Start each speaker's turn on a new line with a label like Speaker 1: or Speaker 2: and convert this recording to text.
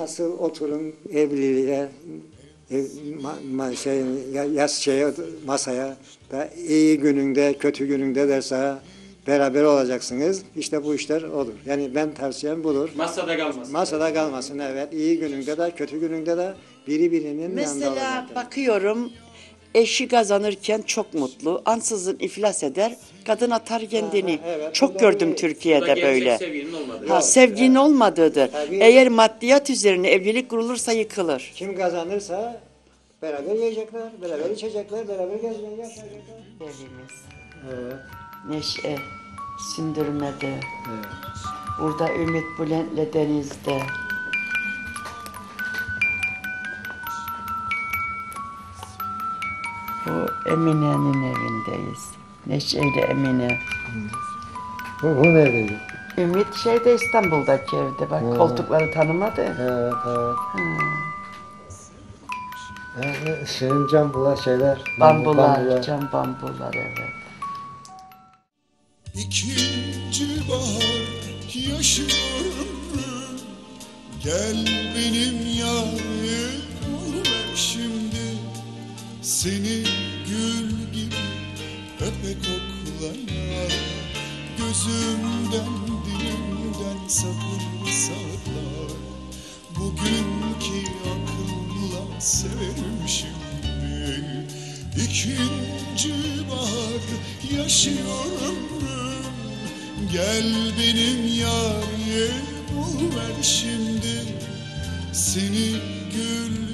Speaker 1: nasıl oturun evliliğe, masaya da iyi gününde, kötü gününde de sana beraber olacaksınız. İşte bu işler olur. Yani ben tavsiyem budur.
Speaker 2: Masada kalmasın.
Speaker 1: Masada kalmasın, evet. İyi gününde de, kötü gününde de birinin yanında
Speaker 3: Mesela
Speaker 1: olacak.
Speaker 3: bakıyorum, eşi kazanırken çok mutlu, ansızın iflas eder, kadın atar kendini.
Speaker 1: Ha, evet.
Speaker 3: Çok
Speaker 1: Bu da
Speaker 3: gördüm
Speaker 1: bir-
Speaker 2: Bu da
Speaker 3: Türkiye'de
Speaker 2: gerçek
Speaker 3: böyle.
Speaker 2: sevginin olmadığı.
Speaker 3: Ha, sevginin olmadığıdır.
Speaker 1: Tabii.
Speaker 3: Eğer maddiyat üzerine evlilik kurulursa yıkılır.
Speaker 1: Kim kazanırsa beraber yiyecekler, beraber içecekler, beraber gezecekler, yaşayacaklar.
Speaker 3: Evimiz,
Speaker 1: Evet.
Speaker 3: neşe, sündürmede,
Speaker 1: Evet.
Speaker 3: burada ümit Bülent'le denizde. Bu Emine'nin evindeyiz. Neşe'yle Emine.
Speaker 1: Bu neredeydi?
Speaker 3: Ümit şeyde İstanbul'daki evde. Bak koltukları tanımadı.
Speaker 1: Evet, evet. Şirin cambular şeyler.
Speaker 3: Bambular, cam bambular, evet.
Speaker 4: İkinci bahar yaşıyorum. Gel benim yarim ver şimdi. Seni gül gibi öpe koklaya. Gözümden dilimden sakın sakla. Bugünkü akılla severim şimdi. İkinci bahar yaşıyorum. Gel benim yarim ver şimdi. Seni gül